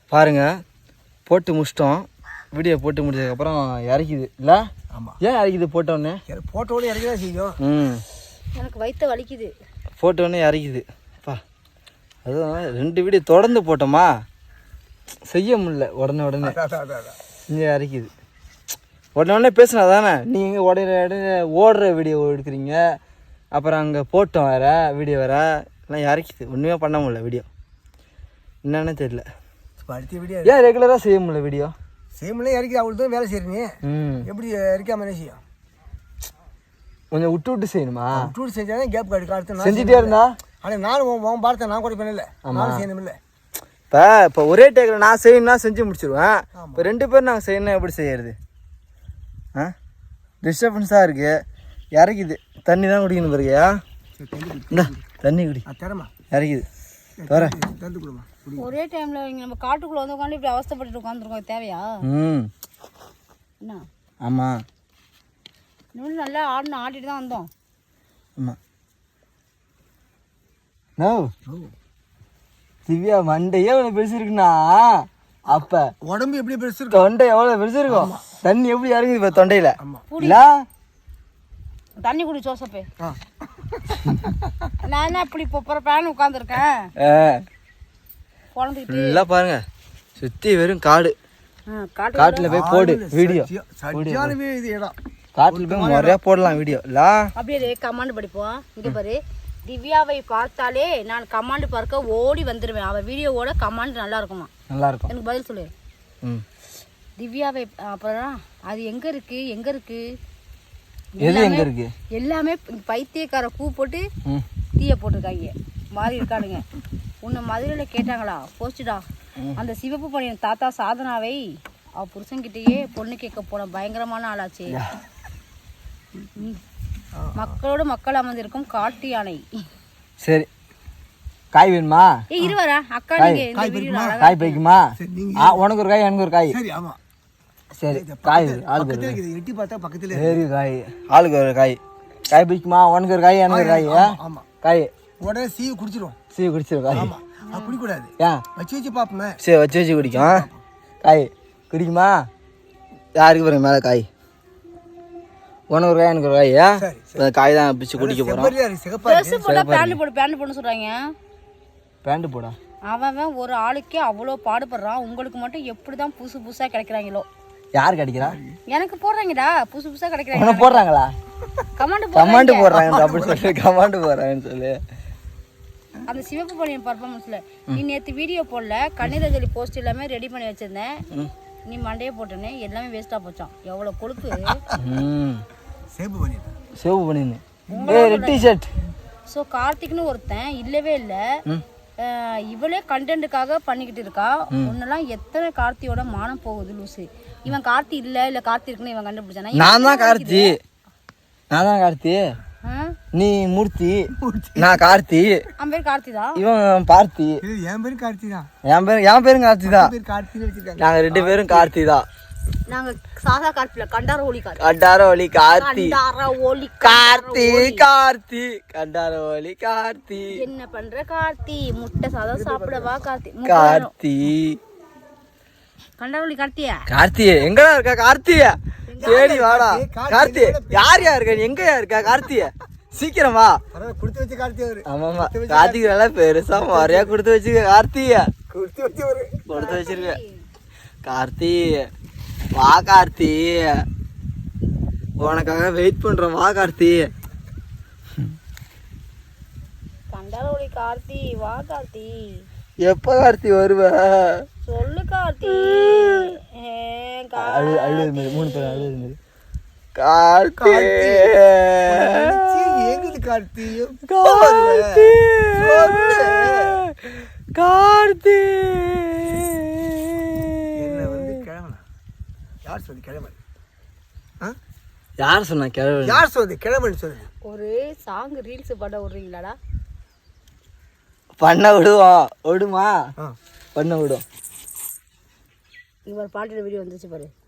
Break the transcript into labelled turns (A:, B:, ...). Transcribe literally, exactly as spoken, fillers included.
A: பாருங்க போட்டு முடிச்சிட்டோம். வீடியோ போட்டு முடிச்சதுக்கப்புறம் இறக்கிது இல்லை?
B: ஆமாம்.
A: ஏன் இறக்கிது போட்டோடனே?
B: போட்டோடனே இறக்கி தான் செய்யும்.
A: ம்
C: எனக்கு வயிற்று வலிக்குது.
A: போட்டோடனே இறக்கிது. பா அதுவும் ரெண்டு வீடியோ தொடர்ந்து போட்டோமா செய்ய முடியல. உடனே உடனே இங்கே இறக்கிது. உடனே உடனே பேசுனா தானே நீங்கள் உடனே உடனே ஓடுற வீடியோ எடுக்கிறீங்க. அப்புறம் அங்கே போட்டோம் வேறு வீடியோ வேறு எல்லாம் இறக்கிது. ஒன்றுமே பண்ண முடியல வீடியோ. என்னன்னு தெரியல.
B: அடுத்த வீடியோ
A: ஏன் ரெகுலராக செய்ய முடியல வீடியோ?
B: செய்ய முடியல. இறக்கி அவ்வளோ தான் வேலை செய்கிறீங்க.
A: ம்
B: எப்படி இறக்காம என்ன செய்யும்?
A: கொஞ்சம் விட்டு விட்டு செய்யணுமா?
B: விட்டு விட்டு செஞ்சால் கேப் கார்டு கார்டு
A: செஞ்சுட்டே இருந்தா.
B: ஆனால் நானும் உன் பார்த்தேன் நான் கூட பண்ணல. நானும் செய்யணும் இல்லை.
A: இப்போ இப்போ ஒரே டேக்கில் நான் செய்யணும்னா செஞ்சு முடிச்சிடுவேன். இப்போ ரெண்டு பேரும் நாங்கள் செய்யணும் எப்படி செய்யறது? ஆ டிஸ்டர்பன்ஸாக இருக்குது. இறக்குது. தண்ணி தான் குடிக்கணும் பிறகுயா. இந்த தண்ணி குடி.
B: தரமா
A: இறக்குது. தர
B: தந்து கொடுமா.
C: ஒரே டைம்ல இங்க நம்ம காட்டுக்குள்ள வந்து உட்காந்து இப்படி அவஸ்தைப்பட்டு உட்காந்துருக்கோம். தேவையா?
A: ம்
C: என்ன?
A: ஆமாம்.
C: இன்னும் நல்லா ஆடணும். ஆடிட்டு தான் வந்தோம்.
A: ஆமாம். நோ திவ்யா மண்டையே எவ்வளோ பெருசு இருக்குண்ணா. அப்போ
B: உடம்பு எப்படி பெருசு இருக்கும்?
A: தொண்டை எவ்வளோ பெருசு இருக்கும். தண்ணி எப்படி இறங்குது இப்போ தொண்டையில்?
C: இல்ல தண்ணி குடி ஜோசப்பே. நான் என்ன இப்படி இப்போ பேன் உட்காந்துருக்கேன்.
A: நல்லா பாருங்க சுற்றி வெறும் காடு. காட்டில் போய் போடு வீடியோ. காட்டில் போய் நிறையா போடலாம் வீடியோ இல்ல.
C: அப்படியே கமாண்ட் படிப்போம். இங்கே பாரு, திவ்யாவை பார்த்தாலே நான் கமாண்ட் பார்க்க ஓடி வந்துடுவேன். அவள் வீடியோவோட கமாண்ட் நல்லா இருக்குமா? நல்லா இருக்கும். எனக்கு பதில் சொல்லு. ம் திவ்யாவை அப்புறம் அது எங்க இருக்கு எங்க இருக்கு
A: எது எங்க இருக்கு?
C: எல்லாமே பைத்தியக்கார பூ போட்டு தீய போட்டிருக்காங்க. மாறி இருக்கானுங்க. உன்னை மதுரையில் கேட்டாங்களா போஸ்டுடா. அந்த சிவப்பு பணியின் தாத்தா சாதனாவை அவ புருஷன்கிட்டயே பொண்ணு கேட்க போன பயங்கரமான ஆளாச்சு. மக்களோடு மக்கள் அமர்ந்திருக்கும் காட்டு யானை. சரி காய் வேணுமா? ஏ இருவரா அக்கா நீங்க இந்த வீடியோல காய் பைக்குமா? உனக்கு ஒரு காய் எனக்கு ஒரு காய். சரி ஆமா சரி காய் ஆளுக்கு எட்டி பார்த்தா பக்கத்துல சரி காய் ஆளுக்கு ஒரு காய். காய் பைக்குமா? உனக்கு ஒரு காய் எனக்கு ஒரு காய். ஆமா காய் உடனே சீவு குடிச்சிரும். சீவு குடிச்சிரும் காய். ஆமா அது குடிக்கூடாது. ஏன்? வச்சு வச்சு பார்ப்போமே. சரி வச்சு வச்சு குடிக்கும். காய் குடிக்குமா? யாருக்கு பாருங்க மேலே காய். உனக்கு ஒரு காய் எனக்கு ஒரு காய். காய் தான் பிச்சு குடிக்க போகிறோம். பேண்ட் போடு பேண்ட் போட சொல்கிறாங்க. பேண்ட் போடா. அவன் ஒரு ஆளுக்கே அவ்வளோ பாடுபடுறான். உங்களுக்கு மட்டும் எப்படி தான் புதுசு புதுசாக கிடைக்கிறாங்களோ. யார் கிடைக்கிறா? எனக்கு போடுறாங்கடா புதுசு புதுசாக கிடைக்கிறாங்க. போடுறாங்களா? கமாண்ட் கமாண்ட் போடுறாங்க அப்படி சொல்லி கமாண்ட் போடுறாங்கன்னு சொல்லு. அந்த சிவப்பு பணியின் பர்ஃபார்மன்ஸில் நீ நேற்று வீடியோ போடல. கண்ணீரஞ்சலி போஸ்ட் எல்லாமே ரெடி பண்ணி வச்சுருந்தேன். நீ மண்டையை போட்டேன்னு எல்லாமே வேஸ்ட்டாக போச்சான். எவ்வளோ கொழுப்பு. சேவ் பண்ணி சேவ் பண்ணிருந்தேன். ஏய் ரெட் டி-ஷர்ட். ஸோ கார்த்திக்னு ஒருத்தன் இல்லவே இல்லை. இவளே கண்டென்ட்டுக்காக பண்ணிக்கிட்டு இருக்கா. ஒன்னெல்லாம் எத்தனை கார்த்தியோட மானம் போகுது லூசு. இவன் கார்த்தி இல்லை இல்லை கார்த்தி இருக்குன்னு இவன் கண்டுபிடிச்சானா? நான் தான் கார்த்தி. நான் தான் கார்த்தி. நீ மூர்த்தி. நான் கார்த்தி. அவன் பேர் கார்த்தி தான். இவன் பார்த்தி. என் பேரும் கார்த்தி தான். என் பேரும் என் பேரும் கார்த்தி தான். நாங்கள் ரெண்டு பேரும் கார்த்தி தான். நாங்க சாதா கார்த்தில கண்டார ஒலி கார்த்தி. கண்டார ஒலி கார்த்தி. கண்டார ஒலி கார்த்தி கார்த்தி கண்டார ஒலி கார்த்தி. என்ன பண்ற கார்த்தி? முட்டை சாதம் சாப்பிடவா கார்த்தி? கார்த்தி கண்டார ஒலி கார்த்தியா? கார்த்தி எங்கடா இருக்க கார்த்திய? சரி வாடா கார்த்தி. யார் யார் இருக்க? எங்கயா இருக்க கார்த்திய? சீக்கிரம் வா. குடுத்து வச்சு கார்த்தி அவரு. ஆமாமா கார்த்திக் நல்லா பெருசா நிறையா குடுத்து வச்சுக்க கார்த்திய. குடுத்து வச்சு கொடுத்து வச்சிருக்க கார்த்தி. வா கார்த்தி உனக்காக வெயிட் பண்றோம். வா கார்த்தி. கண்டாலோடி கார்த்தி. வா கார்த்தி. எப்ப கார்த்தி வருவ? சொல்லு கார்த்தி. அழுது மூணு பேர் அழுது கார்த்தி. ஏங்குது கார்த்தி. கார்த்தி கார்த்தி. யார் சொல்லி கிழமை? யார் சொன்னா கிழமை? யார் சொல்லி கிழமைன்னு சொல்லு. ஒரு சாங் ரீல்ஸ் பண்ண விடுறீங்களாடா? பண்ண விடுவோம். விடுமா? பண்ண விடும். இங்க ஒரு பாட்டோட வீடியோ வந்துச்சு பாரு.